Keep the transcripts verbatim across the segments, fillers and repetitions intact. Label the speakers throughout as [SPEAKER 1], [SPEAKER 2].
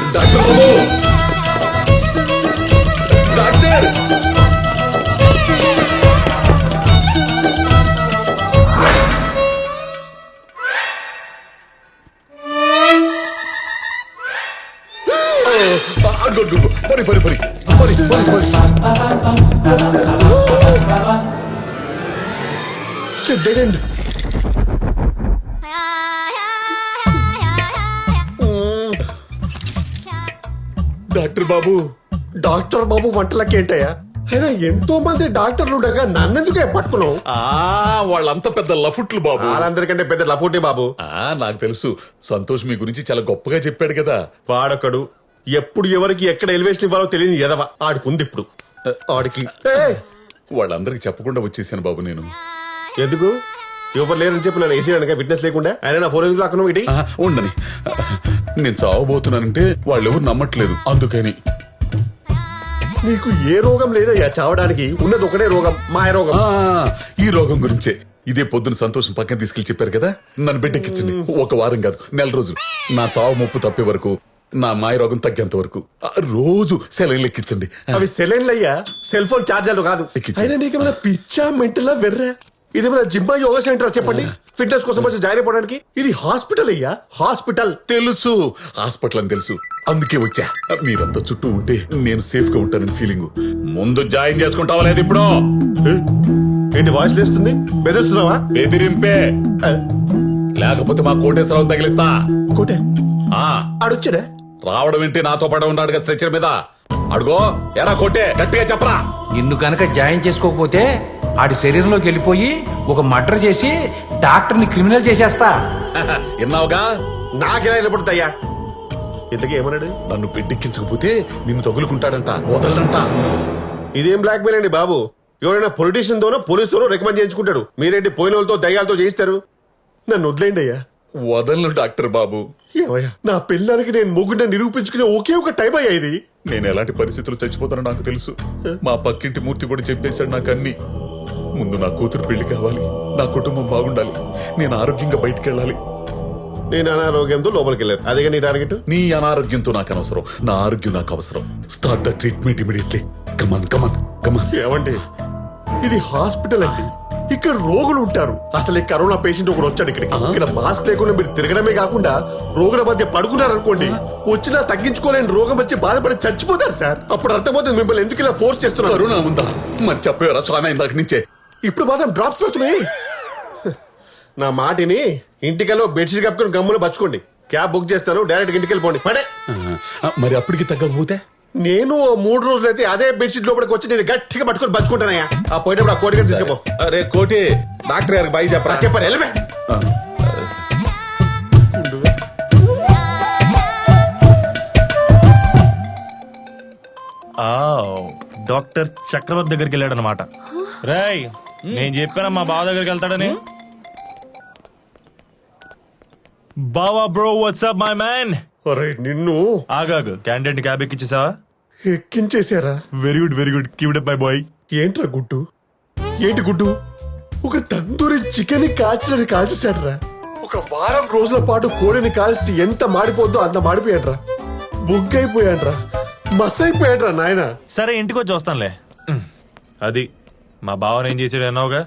[SPEAKER 1] Doctor బాబు doctor పరి పరి పరి పరి పరి పరి డెడ్ ఎండ్. డాక్టర్ బాబు డాక్టర్ బాబు వంటలకి ఏంటయ్యా? అయినా ఎంతో మంది డాక్టర్లు ఉండగా నన్నెందుకే పట్టుకున్నావు?
[SPEAKER 2] వాళ్ళంతా పెద్ద లఫుట్లు బాబు.
[SPEAKER 1] వాళ్ళందరికంటే పెద్ద లఫుటే బాబు.
[SPEAKER 2] ఆ నాకు తెలుసు. సంతోష్ మీ గురించి చాలా గొప్పగా చెప్పాడు కదా.
[SPEAKER 1] వాడొకడు ఎప్పుడు ఎవరికి ఎక్కడ ఎలివేషన్ ఇవ్వాలో తెలియని ఎదవ ఆడుకుంది ఇప్పుడు. ఆడికి
[SPEAKER 2] వాళ్ళందరికి చెప్పకుండా వచ్చేసాను బాబు నేను.
[SPEAKER 1] ఎందుకు? ఎవరు లేరని చెప్పి నన్ను వేసేయడానికి విట్నెస్ లేకుండా ఆయన నా ఫోన్ ఎందుకు లాక్కున్నావు? ఇటీ
[SPEAKER 2] ఉండని. నేను చావబోతున్నానంటే వాళ్ళెవరు నమ్మట్లేదు, అందుకని.
[SPEAKER 1] నీకు ఏ రోగం లేదయ్యా చావడానికి, ఉన్నది ఒకటే రోగం, మాయ రోగం.
[SPEAKER 2] ఈ రోగం గురించే ఇదే పొద్దున సంతోషం పక్కన తీసుకెళ్లి చెప్పారు కదా, నన్ను బిడ్డెక్కించండి. ఒక వారం కాదు, నెల రోజులు. నా చావు ముప్పు తప్పే వరకు, నా మాయ రోగం తగ్గేంత వరకు రోజు సెలైన్లు ఎక్కించండి.
[SPEAKER 1] అవి సెలైన్లు అయ్యా, సెల్ ఫోన్ ఛార్జర్లు కాదు. అయినా నీకేమైనా పిచ్చా మెంటలా వెర్రా? ఇదేమైనా జిమ్మా యోగా సెంటర్ చెప్పండి, ఫిట్నెస్ కోసం వచ్చి జాయిన్ అయిపోవడానికి? ఇది హాస్పిటల్ అయ్యా, హాస్పిటల్.
[SPEAKER 2] తెలుసు, హాస్పిటల్ అని తెలుసు, అందుకే వచ్చా. మీరంతా చుట్టూ ఉంటే నేను సేఫ్ గా ఉంటానని ఫీలింగ్. ముందు జాయిన్ చేసుకుంటావా లేదు? ఇప్పుడు
[SPEAKER 1] ఏంటి వాయిస్ లేస్తుంది? బెదిరిస్తున్నావా?
[SPEAKER 2] బెదిరింపే, లేకపోతే మా కోటేశ్వరరావు తగిలిస్తా.
[SPEAKER 1] కోటే
[SPEAKER 2] ఆ
[SPEAKER 1] ఆడొచ్చాడా?
[SPEAKER 2] రావడం ఏంటి, నాతో పాటు ఉన్నాడుగా స్ట్రెచర్ మీద. అడుగో ఎరా కోటే, గట్టిగా చెప్పరా.
[SPEAKER 3] నిన్ను కనుక జాయిన్ చేసుకోకపోతే ఆడి శరీరంలోకి వెళ్ళిపోయి ఒక మర్డర్ చేసి డాక్టర్ని క్రిమినల్ చేసేస్తా.
[SPEAKER 2] విన్నావుగా?
[SPEAKER 1] నాకెలా నిలబడుతాయ్యా? ఇంతకీ ఏమన్నాడు?
[SPEAKER 2] నన్ను పెద్దెక్కించకపోతే నిన్ను తగులుకుంటాడంట, వదలడంట.
[SPEAKER 1] ఇదేం బ్లాక్ మెయిల్ అండి బాబు? ఎవరైనా పొలిటీషియన్ తోనో పోలీసు తోనో రికమెండ్ చేయించుకుంటాడు. మీరేంటి పోయిన వాళ్ళతో దయ్యాలతో చేయిస్తారు? నన్ను వదిలేండి అయ్యా.
[SPEAKER 2] వదలను డాక్టర్ బాబు.
[SPEAKER 1] ఏమయ్యా, నా పిల్లలకి నేను మొగ్గున నిరూపించుకునే ఒకే ఒక టైం అయ్యా ఇది.
[SPEAKER 2] నేను ఎలాంటి పరిస్థితులు చచ్చిపోతానో నాకు తెలుసు. మా పక్కింటి మూర్తి కూడా చెప్పేశాడు నాకు అన్ని. ముందు నా కూతురు పెళ్లి కావాలి, నా కుటుంబం బాగుండాలి, నేను ఆరోగ్యంగా బయటికి వెళ్ళాలి.
[SPEAKER 1] నేను అనారోగ్యంతో లోపలికి వెళ్ళాను, అదేగా నీ టార్గెట్.
[SPEAKER 2] నీ అనారోగ్యంతో నాకు అనవసరం, నా ఆరోగ్యం నాకు అవసరం. Start the treatment immediately. Come on come on come on.
[SPEAKER 1] ఏమండి, ఇది హాస్పిటల్ అండి, ఇక్కడ రోగులు ఉంటారు. అసలు ఈ కరోనా పేషెంట్ ఒకడు వచ్చాడు ఇక్కడికి. ఇక్కడ మాస్క్ లేకుండా మీరు తిరగడమే కాకుండా రోగుల మధ్య పడుకున్నారు అనుకోండి, వచ్చినా తగ్గించుకోలేని రోగం వచ్చి బాధపడి చచ్చిపోతారు సార్. అప్పుడు అర్థమవుతుంది మిమ్మల్ని ఎందుకు ఇలా ఫోర్స్ చేస్తున్నారు.
[SPEAKER 2] కరోనా ఉందా? మరి చెప్పేవరా స్వామి ఇందాక నుంచే.
[SPEAKER 1] ఇప్పుడు మాత్రం డ్రాప్స్ వస్తున్నాయి. నా మాటిని ఇంటికెళ్ళో బెడ్షీట్ కప్పుకొని గమ్ములు పచ్చుకోండి. క్యాబ్ బుక్ చేస్తాను, డైరెక్ట్ ఇంటికి వెళ్ళిపోండి. పడే
[SPEAKER 2] మరి అప్పటికి తగ్గకపోతే
[SPEAKER 1] నేను మూడు రోజులు అయితే అదే బెడ్షీట్ లోపలికి వచ్చి నేను గట్టిగా పట్టుకొని బతుకుంటానయ్యా. ఆ పోయేటప్పుడు ఆ కోటి గారు తీసుకుపో.
[SPEAKER 2] అరే కోటి, డాక్టర్ గారికి బాయ్ చెప్పరా.
[SPEAKER 1] చెప్పండి వెళ్ళమే.
[SPEAKER 4] డాక్టర్ చక్రవర్తి దగ్గరికి వెళ్ళాడు అనమాట. రేయ్, నేను చెప్పాను మా బావ దగ్గరికి వెళ్తాడని. బావా బ్రో, వాట్సాప్ మై మ్యాన్.
[SPEAKER 1] అరే నిన్ను
[SPEAKER 4] ఆగాగు, క్యాండిడేట్ క్యాబ్ ఎక్కించేసావా?
[SPEAKER 1] ఎక్కించేశారా?
[SPEAKER 4] Very good very good, keep it up my boy.
[SPEAKER 1] ఏంట్రా గుడ్డు? ఏంటి గుడ్డు? ఒక తందూరి చికెన్ కాల్చినని కాల్చేశాడ్రా. ఒక వారం రోజుల పాటు కోడిని కాల్చి ఎంత మాడిపోద్దో అంత మాడిపోయాడ్రా. బుగ్గైపోయాడ్రా, మస్ అయిపోయాడ్రా నాయన.
[SPEAKER 4] సరే ఇంటికి వచ్చి వస్తానులే. అది మా బావని ఏం చేసాడు అన్నావుగా?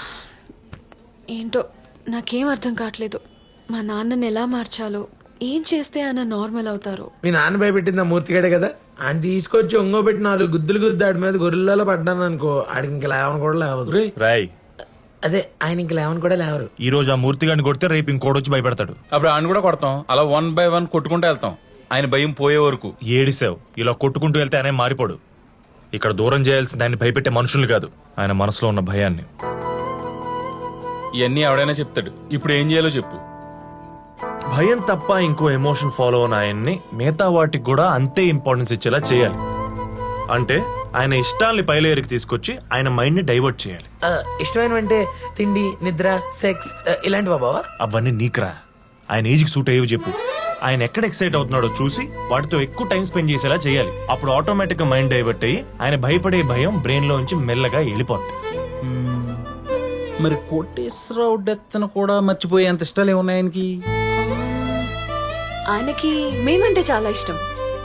[SPEAKER 5] ఏంటో నాకేం అర్థం కావట్లేదు. మా నాన్నని ఎలా మార్చాలో, ఏం చేస్తే ఆయన నార్మల్ అవుతారు.
[SPEAKER 6] మీ నాన్న భయపెట్టింది ఆ మూర్తిగాడే కదా, ఆయన తీసుకొచ్చి ఒంగో పెట్టి నాలుగు గుద్దులు గుద్దు ఆడి మీద గొర్రెలలో పడ్డాను అనుకో, ఆడికి ఇంకా లేవని కూడా లేవదు.
[SPEAKER 4] రాయ్,
[SPEAKER 6] అదే ఆయన ఇంక లేవని కూడా లేవరు.
[SPEAKER 4] ఈ రోజు ఆ మూర్తి గారిని కొడితే రేపు ఇంకోటి భయపెడతాడు.
[SPEAKER 7] అప్పుడు ఆయన కూడా కొడతాం, అలా వన్ బై వన్ కొట్టుకుంటూ వెళ్తాం. ఆయన భయం పోయే వరకు.
[SPEAKER 4] ఏడిసావు, ఇలా కొట్టుకుంటూ వెళ్తే ఆయన మారిపోడు. ఇక్కడ దూరం చేయాల్సింది ఆయన భయపెట్టే మనుషులు కాదు, ఆయన మనసులో ఉన్న భయాన్ని.
[SPEAKER 7] ఇవన్నీ ఎవడైనా చెప్తాడు. ఇప్పుడు ఏం చేయాలో చెప్పు.
[SPEAKER 4] భయం తప్ప ఇంకో ఎమోషన్ ఫాలో అయిన ఆయన్ని మిగతా వాటికి కూడా అంతే ఇంపార్టెన్స్ ఇచ్చేలా చేయాలి. అంటే ఆయన ఇష్టాల్ని పైలేరికి తీసుకొచ్చి ఆయన మైండ్ ని డైవర్ట్ చేయాలి.
[SPEAKER 6] ఇష్టమైనవంటే తిండి, నిద్ర, సెక్స్ ఇలాంటివా బావా?
[SPEAKER 4] అవన్నీ నీకురా, ఆయన ఏజ్ కి సూట్ అయ్యేవి చెప్పు. ఆయన ఎక్కడ ఎక్సైట్ అవుతున్నాడో చూసి వాటితో ఎక్కువ టైం స్పెండ్ చేసేలా చేయాలి. అప్పుడు ఆటోమేటిక్ గా మైండ్ డైవర్ట్ అయ్యి ఆయన భయపడే భయం బ్రెయిన్ లోంచి మెల్లగా వెళ్ళిపోద్ది.
[SPEAKER 7] మరి కోటేశ్వరరావు డెత్ కూడా మర్చిపోయే అంత ఇష్టాలు ఏమున్నాయి ఆయనకి?
[SPEAKER 5] ఆయనకి మేమంటే చాలా ఇష్టం.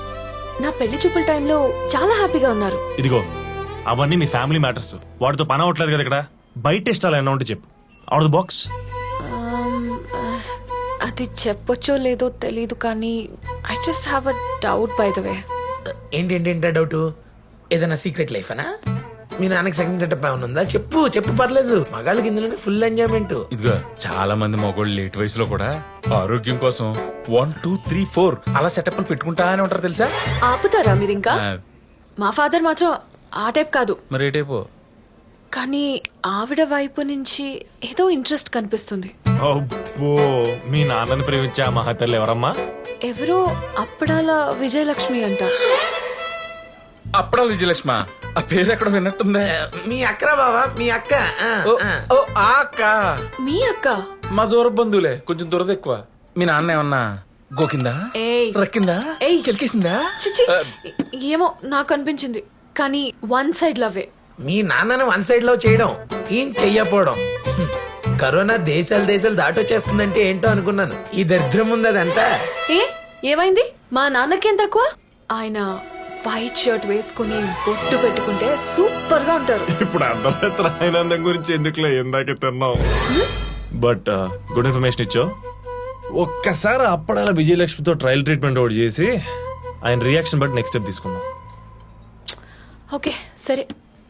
[SPEAKER 5] నా పెళ్లి చూపుల టైంలో చాలా హ్యాపీగా ఉన్నారు.
[SPEAKER 4] ఇదిగో అవన్నీ మీ ఫ్యామిలీ మ్యాటర్స్. వాడితో పని అవ్వట్లేదు కదా ఇక్కడ. బయట ఇష్టాలు ఏమన్నా ఉంటే చెప్పు. Out the box.
[SPEAKER 5] Um, uh, అది చెప్పొచ్చో లేదో తెలీదు కానీ I just have a doubt by the way.
[SPEAKER 6] ఏంటి ఏంటి ఏంటా డౌట్? ఏదైనా సీక్రెట్ లైఫ్ అనా? మీ నాన్నకి సెకండ్ సెటప్ ఏమైనా ఉందా? చెప్పు చెప్పు, పర్లేదు. మగాళ్ళకి ఇందులోనే ఫుల్ ఎంజాయ్మెంట్.
[SPEAKER 7] ఇదిగో చాలా మంది మగోళ్ళు లేట్ వయసులో కూడా ఆరోగ్యం కోసం వన్ టూ త్రీ ఫోర్ అలా సెటప్ పెట్టుకుంటా అని ఉంటారు తెలుసా?
[SPEAKER 5] ఆపుతారా మీరు ఇంకా?
[SPEAKER 7] ఆ,
[SPEAKER 5] మా ఫాదర్ మాత్రం ఆ టైప్ కాదు.
[SPEAKER 7] మరి ఏ టైపు?
[SPEAKER 5] కానీ ఆవిడ వైపు నుంచి ఏదో ఇంట్రెస్ట్ కనిపిస్తుంది.
[SPEAKER 4] అబ్బో, మీ నాన్నని ప్రేమించే ఆ మహతల్లి ఎవరమ్మా?
[SPEAKER 5] ఎవరో అప్పడాల విజయలక్ష్మి అంట.
[SPEAKER 7] అప్పుడా విజయలక్ష్మ? ఆ పేరు ఎక్కడ విన్నట్టుందే.
[SPEAKER 6] మీ అక్కరా బావా, మీ అక్క. ఆ,
[SPEAKER 7] ఓ,
[SPEAKER 6] ఆ.
[SPEAKER 7] ఓ, ఆ అక్క
[SPEAKER 5] మీ అక్క?
[SPEAKER 7] మా దూర బంధువులే, కొంచెం దురద ఎక్కువ. మీ నాన్న ఏమన్నా గోకిందా,
[SPEAKER 5] ఏయ్.
[SPEAKER 7] రక్కిందా,
[SPEAKER 5] ఏయ్.
[SPEAKER 7] కెలికేసిందా?
[SPEAKER 5] చిచి, ఏమో నాకు అనిపించింది. కానీ వన్ సైడ్ లవ్వే.
[SPEAKER 6] మీ నాన్నను వన్ సైడ్ లో చేయడం, ఏం చెయ్యపోవడం. హ్మ్. కరోనా దేశాలు దేశాలు దాటొచ్చేస్తుందంటే ఏంటో అనుకున్నాను. ఈ దరిద్రం ఉంది అదంతా.
[SPEAKER 5] ఏ ఏమైంది? మా నాన్నకేం తక్కువ? ఆయన వైట్ షర్ట్ వేసుకుని బొట్టు పెట్టుకుంటే సూపర్ గా ఉంటారు.
[SPEAKER 4] ఇప్పుడు అర్థమైతే ఆనందం గురించి ఎందుకులే ఇందాకే తిన్నావు. బట్ గుడ్ ఇన్ఫర్మేషన్ ఇచ్చో. ఒక్కసారి అప్పడాల విజయలక్ష్మితో ట్రయల్ ట్రీట్మెంట్ ఒకటి చేసి ఆయన రియాక్షన్ బట్టి నెక్స్ట్ స్టెప్ తీసుకుందాం.
[SPEAKER 5] ఓకే సరే.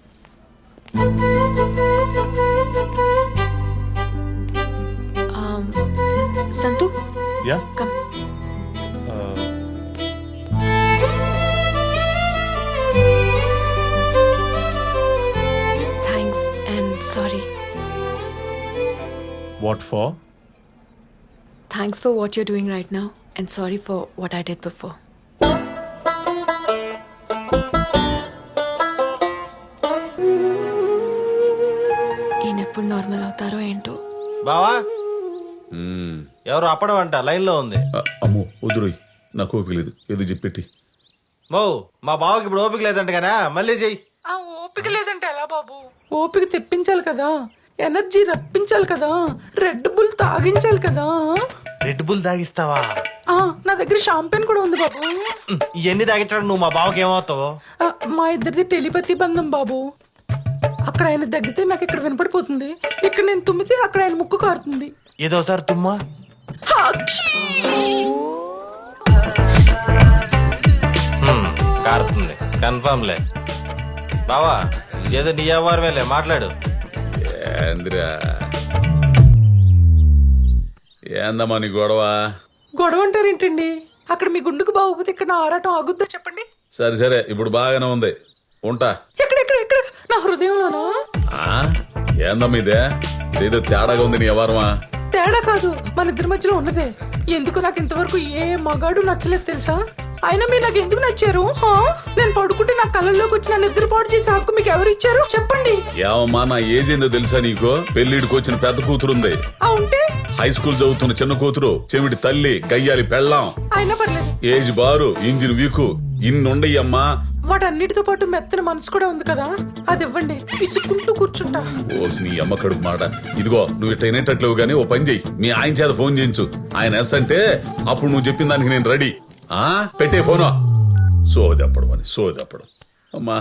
[SPEAKER 5] Um, సంతు
[SPEAKER 4] ya
[SPEAKER 5] come. Thanks and sorry.
[SPEAKER 4] What for?
[SPEAKER 5] Thanks for what you're doing right now and sorry for what I did before. ఈయన ఎప్పుడు నార్మల్ అవుతారో ఏంటో.
[SPEAKER 8] బావా ఎవరు అప్పడం అంట లైన్ లో ఉంది.
[SPEAKER 2] ఆ, అమ్మో వద్దురోయ్, నాకు ఓపిక లేదు. ఏదో చెప్పెట్టి.
[SPEAKER 8] మో మా బావకి ఇప్పుడు ఓపిక లేదంట కదా, మళ్ళీ చెయ్యి.
[SPEAKER 9] ఆ ఓపిక లేదంటే ఎలా బాబు? ఓపిక తెప్పించాలి కదా, ఎనర్జీ రప్పించాలి కదా, రెడ్ బుల్ తాగించాలి కదా.
[SPEAKER 8] రెడ్ బుల్ తాగిస్తావా?
[SPEAKER 9] ఆ నా దగ్గర షాంపెన్ కూడా ఉంది బాబు.
[SPEAKER 8] ఇవన్నీ తాగించడం నువ్వు మా బావకి ఏమవుతావు?
[SPEAKER 9] ఆ, మా ఇద్దరిది టెలిపతి బంధం బాబు. అక్కడ ఆయన దగ్గితే నాకు ఇక్కడ వినపడిపోతుంది, ఇక్కడ నేను తుమ్మితే అక్కడ ఆయన ముక్కు కారుతుంది.
[SPEAKER 8] ఏదో ఒకసారి తుమ్మా.
[SPEAKER 9] హాక్షీ!
[SPEAKER 8] హ్మ్, కారుతుంది కన్ఫర్మ్ లే. బావా ఏదో నీ వ్యవహారమేలే, మాట్లాడు.
[SPEAKER 2] ఏంద్రా ఏందమ్మా నీ గొడవ?
[SPEAKER 9] గొడవ అంటారేంటండి? అక్కడ మీ గుండుకు బాగోపోతే ఇక్కడ నా ఆరాటం ఆగుద్దా చెప్పండి?
[SPEAKER 2] సరే సరే, ఇప్పుడు బాగానే ఉంది, ఉంటా.
[SPEAKER 9] ఎక్కడ ఎక్కడ ఎక్కడ? నా హృదయంలోనా?
[SPEAKER 2] ఆ? ఏందమ్మా ఇదే? ఇదేదో తేడాగా ఉంది నీ వ్యవహారమా?
[SPEAKER 9] తేడా కాదు, మన ఇద్దరి మధ్యలో ఉన్నదే. ఎందుకు నాకు ఇంతవరకు ఏ మగాడు నచ్చలేదు తెలుసా? అయినా మీరు నాకు ఎందుకు నచ్చారు? హా? నేను పడుకుంటే నా కళ్ళల్లోకి వచ్చి నా నిద్ర పాడు చేసే హక్కు మీకు ఎవరు ఇచ్చారు చెప్పండి?
[SPEAKER 2] ఏమమ్మా నా ఏజ్ ఏందో తెలుసా నీకు? పెళ్లిడికి వచ్చిన పెద్ద కూతురుంది,
[SPEAKER 9] ఆ ఉంటే
[SPEAKER 2] హై స్కూల్ చదువుతున్న చిన్న కూతురు, చెవిటి తల్లి, గయ్యాలి పెళ్ళాం,
[SPEAKER 9] అయినా పర్లేదు.
[SPEAKER 2] ఏజ్ బారు, ఇంజిన్ వీకు, ఇన్నుండయ్యమ్మా.
[SPEAKER 9] వాటన్నిటితో పాటు మెత్తన మనసు కూడా ఉంది కదా, అది ఇవ్వండి, పిసుక్కుంటూ కూర్చుంటా.
[SPEAKER 2] ఓసి నీ అమ్మ కడుపు మాట. ఇదిగో నువ్వు ఇట్ట వినేటట్లేవు గానీ ఓ పని చెయ్యి, మీ ఆయన చేత ఫోన్ చేయించు. ఆయన ఎస్ అంటే అప్పుడు నువ్వు చెప్పిన దానికి నేను రెడీ. ఆ పెట్టే ఫోను. సోదప్పడం అని సోదప్పడం. అమ్మా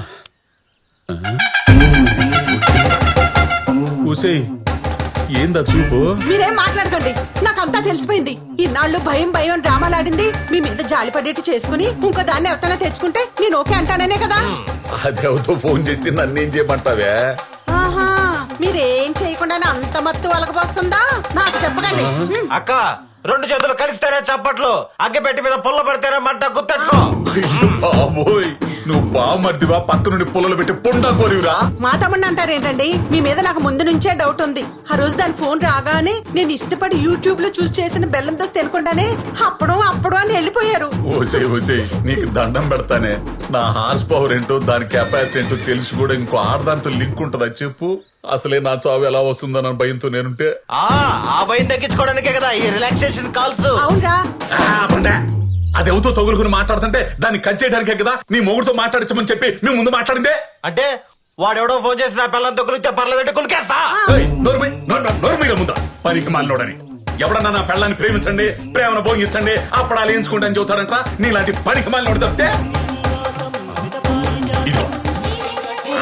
[SPEAKER 2] కూసేయ్, ఏందా చూపు?
[SPEAKER 10] మీరేం మాట్లాడకండి, నాకంతా తెలిసిపోయింది. ఇన్నాళ్ళు భయం భయం డ్రామాలాడింది మీ మీద జాలి పడేట్టు చేసుకుని ఇంకో దాన్ని ఎవరైనా తెచ్చుకుంటే నేను ఓకే అంటాననే కదా.
[SPEAKER 2] అదేవతో ఫోన్ చేస్తే నన్నేం చేయమంటావే?
[SPEAKER 10] ఆహా, మీరేం చేయకుండానే అంత మత్తు వలగబోస్తుందా? నాకు చెప్పకండి.
[SPEAKER 8] అక్క రెండు చేతులు కలిస్తేనే చప్పట్లు, అగ్గి పెట్టి మీద పుల్ల పడితేనే మంట గుర్తెట్టుకో.
[SPEAKER 2] అయ్యో బాబోయ్, నువ్వు బామర్దివా పక్క నుండి పుల్లలు పెట్టి పుండా కోరివురా?
[SPEAKER 10] మా తమ్ముడిని అంటారేంటండి? మీ మీద నాకు ముందు నుంచే డౌట్ ఉంది. ఆ రోజు దాని ఫోన్ రాగానే నేను ఇష్టపడి యూట్యూబ్ లో చూసి చేసిన బెల్లం దోశ తినకుండానే అప్పుడు అప్పుడు అని వెళ్ళిపోయారు.
[SPEAKER 2] ఓసే ఓసే నీకు దండం పెడతానే. నా హార్స్ పవర్ ఏంటో దాని కెపాసిటీ ఏంటో తెలిసి కూడా ఇంకో ఆర్దాంతో లింక్ ఉంటుందా చెప్పు? అసలే నా చావు ఎలా వస్తుందన్న భయంతో నేనుంటే
[SPEAKER 8] ఆ ఆ భయం తగ్గించుకోవడానికే కదా ఈ రిలాక్సేషన్ కాల్స్.
[SPEAKER 10] అవునరా?
[SPEAKER 2] అది ఎవరితో తగులుకుని మాట్లాడుతుంటే దాన్ని కట్ చేయడానికే కదా నీ మొగుడుతో మాట్లాడించమని చెప్పి మేము ముందు మాట్లాడిందే.
[SPEAKER 8] అంటే వాడెవడో ఫోన్ చేసి నా పిల్లలతో కులిస్తే పర్లేదంటే కులికేస్తా.
[SPEAKER 2] ముందా పనికి మాలోడని ఎవడన్నా నా పెళ్ళాన్ని ప్రేమించండి, ప్రేమను భోగించండి, అప్పుడాలు ఎంచుకుంటా అని చెబుతాడంట. నీలాంటి పనికి మాలోడు తప్పితే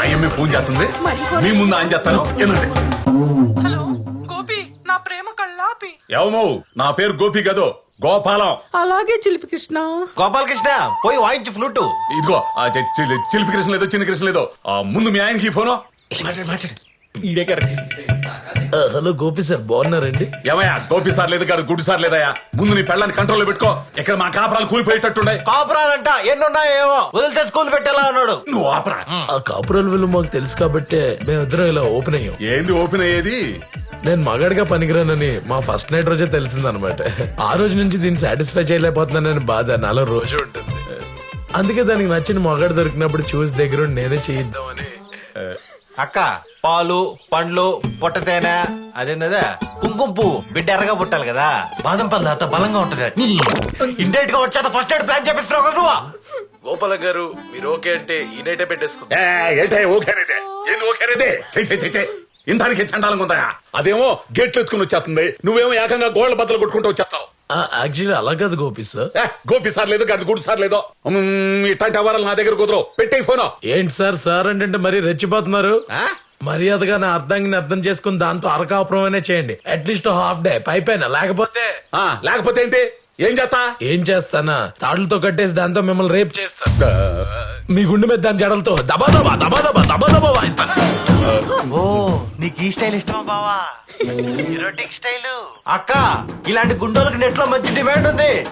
[SPEAKER 2] ఆయమ్మే ఫోన్ చేస్తుంది
[SPEAKER 10] మళ్ళీ ఫోన్
[SPEAKER 2] మీ ముందు ఆయన చేస్తాను ఏనండి
[SPEAKER 9] హలో గోపి నా ప్రేమ కళ్ళాపి
[SPEAKER 2] ఏమో నా పేరు గోపి కదో గోపాలం.
[SPEAKER 9] అలాగే చిలిపి కృష్ణ.
[SPEAKER 8] గోపాలకృష్ణ పోయి వాయించు ఫ్లూటు.
[SPEAKER 2] ఇదిగో ఆ చి- చి- చిలిపి కృష్ణ లేదో చిన్న కృష్ణ లేదో ఆ ముందు మీ ఆయనకి ఈ ఫోను.
[SPEAKER 6] హలో గోపి సార్ బాగున్నారండి?
[SPEAKER 2] ఏమయ్యా గోపి సార్ లేదు కాదు గుడ్డు సార్ లేదయ్యా. ముందు నీ పెళ్ళాన్ని కంట్రోల్లో పెట్టుకో. ఇక్కడ మా కాపురాలు కూలిపోయేటట్టుండే.
[SPEAKER 8] కాపురాలంట ఎన్నున్నాయో ఏమో వదిలితే స్కూల్ పెట్టేలా ఉన్నాడు.
[SPEAKER 2] నువ్వు ఆపరా.
[SPEAKER 6] ఆ కాపురాల విలువ మాకు తెలుసు కాబట్టే మేమిద్దరం ఇలా ఓపెన్ అయ్యాం.
[SPEAKER 2] ఏంది ఓపెన్ అయ్యేది?
[SPEAKER 6] నేను మగాడిగా పనికిరానని మా ఫస్ట్ నైట్ రోజే తెలిసిందనమాట. ఆ రోజు నుంచి దీన్ని సాటిస్ఫై చేయలేకపోతున్నానని బాధ నాలో రోజు ఉంటుంది. అందుకే దానికి నచ్చిన మగాడు దొరికినప్పుడు చూసి దగ్గర నేనే చేయిద్దామని.
[SPEAKER 8] అక్క పాలు పండ్లు పొట్ట తేనె అదేందా కుంకుమ పువ్వు బిడ్డ ఎర్రగా పుట్టాలి కదా. బాదం పళ్ళు అంత బలంగా ఉంటది. ఇండైట్ గా వచ్చా ఫస్ట్ ఎయిడ్ ప్లాన్ చేపిస్తున్నావు కదా నువ్వు.
[SPEAKER 6] గోపాల గారు మీరు ఓకే అంటే ఈ నైటే పెట్టేసుకుందాం.
[SPEAKER 2] ఏ, ఏంటే ఓకేనేదే? ఏంది ఓకేనేదే? చెయ్ చెయ్ చెయ్ చెయ్. ఇంటానికి చండాలంగా ఉందా? అదేమో గేట్లు ఎత్తుకుని వచ్చేస్తుంది, నువ్వేమో ఏకంగా గోళ్ల బద్దలు కొట్టుకుంటూ వచ్చేస్తావు.
[SPEAKER 6] యాక్చువల్లీ అలా కాదు గోపి సార్.
[SPEAKER 2] ఏ, గోపి సార్ లేదు గడి గుడి సార్ లేదో. మ్మ్, ఇట్లాంటి అవరాలు నా దగ్గర కుదరవు. పెట్టే ఫోను.
[SPEAKER 6] ఏంటి సార్ సార్ అంటే మరీ రెచ్చిపోతున్నారు.
[SPEAKER 2] ఆ?
[SPEAKER 6] మర్యాదగా నా అర్థాన్ని అర్థం చేసుకుని దాంతో అరకాపురమైనా చేయండి. అట్లీస్ట్ హాఫ్ డే పైపైన. లేకపోతే
[SPEAKER 2] ఆ, లేకపోతే ఏంటి? ఏం చేస్తా?
[SPEAKER 6] ఏం చేస్తానా తాడులతో కట్టేసి దాంతో మిమ్మల్ని రేప్ చేస్తా. మీ గుండె మీద దాని జడలతో దబా దబా దబా దబా దబా దబా వాయిస్తాను.
[SPEAKER 8] ఓ నీకు ఈ స్టైల్ ఇష్టమా బావా? Erotic style. అక్క ఇలాంటి గుండోలకు నెట్ లో మంచి డిమాండ్ ఉంది.